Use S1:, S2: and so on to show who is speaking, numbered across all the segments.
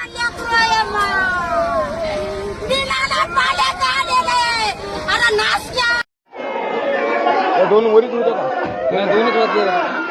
S1: दोन वरीच होते का? दोन्हीच वाजले.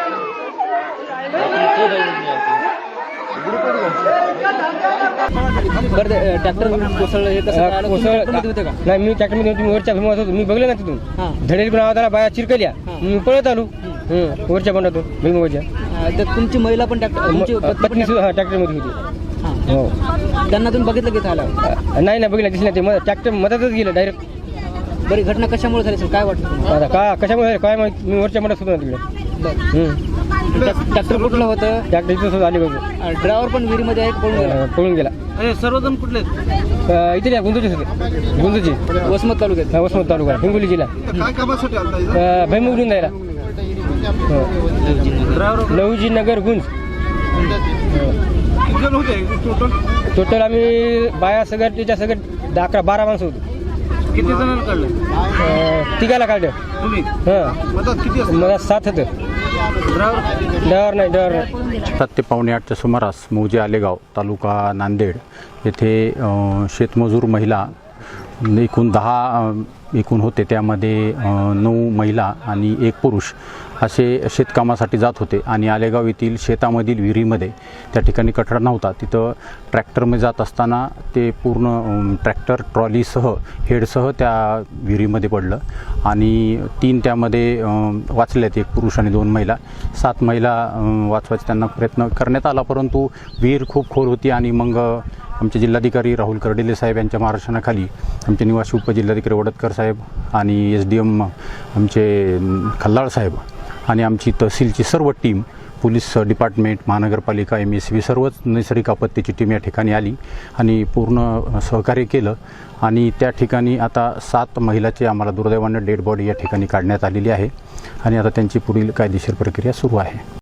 S1: ट्रॅक्टर कोसळलं हे कसं होतं का? नाही, मी ट्रॅक्टरमध्ये तुम्ही वरच्या भीमात होतो, मी बघलं ना तिथून धडेल पण आवाज आला, बाया चिरकल्या, मी पळत आलो वरच्या बंडातून भीमावरच्या.
S2: तुमची महिला पण ट्रॅक्टर
S1: पत्नी सुद्धा ट्रॅक्टरमध्ये होती. हो,
S2: त्यांना तुम्ही बघितलं की झालं?
S1: नाही बघितलं, दिसलं ते ट्रॅक्टर मधातच गेलं डायरेक्ट.
S2: बरी घटना कशामुळे झाली काय वाटतं?
S1: आता का कशामुळे काय माहिती, मी वरच्या बंडात होतो ना तिकडे.
S2: ट्रॅक्टर कुठलं होतं?
S1: ट्रॅक्टर इथं आली बघ.
S2: ड्रायव्हर पण विहिरीमध्ये आहे,
S1: पळून गेला.
S2: सर्वजण कुठले?
S1: इथे गुंजूचीच होते, गुंजूची,
S2: वसमत तालुक्यात.
S1: वसमत तालुका, हिंगोली जिल्हा.
S3: काय कामासाठी
S1: भैमुगून जायला लहुजी नगर गुंज. टोटल आम्ही बाया सगळं त्याच्या सगळं 11-12 माणसं होतो.
S3: किती जणांना काढलं?
S1: तिघाला काढलं. मला 7 होतं. ड्रायव्हर नाही.
S4: 7 ते पावणे 8च्या सुमारास मौजे आलेगाव तालुका नांदेड येथे शेतमजूर महिला एकूण 10 होते, त्यामध्ये 9 महिला आणि 1 पुरुष असे शेतकामासाठी जात होते. आणि आलेगाव येथील शेतामधील विहिरीमध्ये त्या ठिकाणी कठडा नव्हता, तिथं ट्रॅक्टरमध्ये जात असताना ते पूर्ण ट्रॅक्टर ट्रॉलीसह हेडसह त्या विहिरीमध्ये पडलं आणि 3 त्यामध्ये वाचल्यात, 1 पुरुष आणि 2 महिला. 7 महिला वाचवायचा त्यांना प्रयत्न करण्यात आला, परंतु विहीर खूप खोल होती. आणि मग आमचे जिल्हाधिकारी राहुल कर्डिले साहेब यांच्या मार्गदर्शनाखाली आमचे निवासी उपजिल्हाधिकारी वडतकर साहेब आणि SDM आमचे खल्लाळ साहेब आणि आमची तहसीलची सर्व टीम, पोलीस डिपार्टमेंट, महानगरपालिका, MSB सर्वच नैसर्गिक आपत्तीची टीम या ठिकाणी आली आणि पूर्ण सहकार्य केलं. आणि त्या ठिकाणी आता 7 महिलाचे आम्हाला दुर्दैवानं डेड बॉडी या ठिकाणी काढण्यात आलेली आहे आणि आता त्यांची पुढील कायदेशीर प्रक्रिया सुरू आहे.